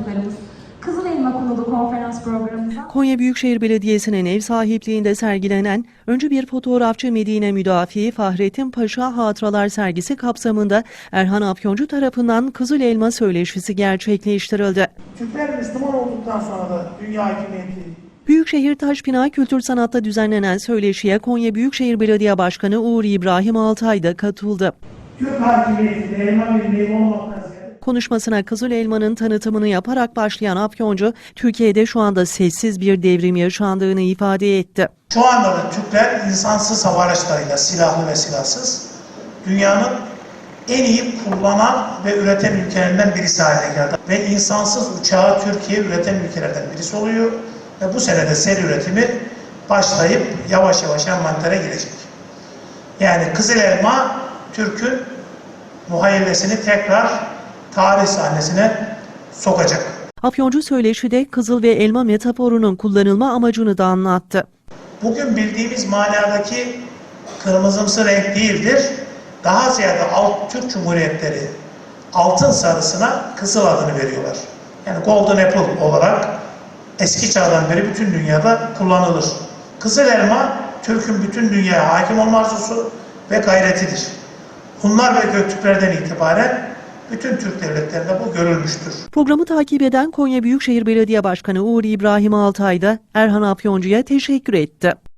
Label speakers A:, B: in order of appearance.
A: konuklarımız. Kızıl Elma konulu konferans programımıza
B: Konya Büyükşehir Belediyesi'nin ev sahipliğinde sergilenen öncü bir fotoğrafçı Medine Müdafi Fahrettin Paşa Hatıralar sergisi kapsamında Erhan Afyoncu tarafından Kızıl Elma söyleşisi gerçekleştirildi.
C: Türkler Müslüman olduktan sonra da dünya hakimiyeti.
B: Büyükşehir Taşpınar Kültür Sanat'ta düzenlenen söyleşiye Konya Büyükşehir Belediye Başkanı Uğur İbrahim Altay da katıldı.
C: Türk hakimiyeti de elma bir meyve olmaktan ziyade.
B: Konuşmasına Kızıl Elma'nın tanıtımını yaparak başlayan Afyoncu, Türkiye'de şu anda sessiz bir devrim yaşandığını ifade etti.
C: Şu anda da Türkler insansız hava araçlarıyla, silahlı ve silahsız, dünyanın en iyi kullanan ve üreten ülkelerinden birisi haline geldi. Ve insansız uçağı Türkiye üreten ülkelerden birisi oluyor. Ve bu sene de seri üretimi başlayıp yavaş yavaş envantere girecek. Yani Kızıl Elma, Türk'ün muhayyilesini tekrar tarih sahnesine sokacak.
B: Afyoncu söyleşide kızıl ve elma metaforunun kullanılma amacını da anlattı.
C: Bugün bildiğimiz manadaki kırmızımsı renk değildir. Daha ziyade Türk Cumhuriyetleri altın sarısına kızıl adını veriyorlar. Yani Golden Apple olarak eski çağdan beri bütün dünyada kullanılır. Kızıl elma Türk'ün bütün dünyaya hakim olma arzusu ve gayretidir. Hunlar ve Göktürklerden itibaren bütün Türk devletlerinde bu görülmüştür.
B: Programı takip eden Konya Büyükşehir Belediye Başkanı Uğur İbrahim Altay da Erhan Afyoncu'ya teşekkür etti.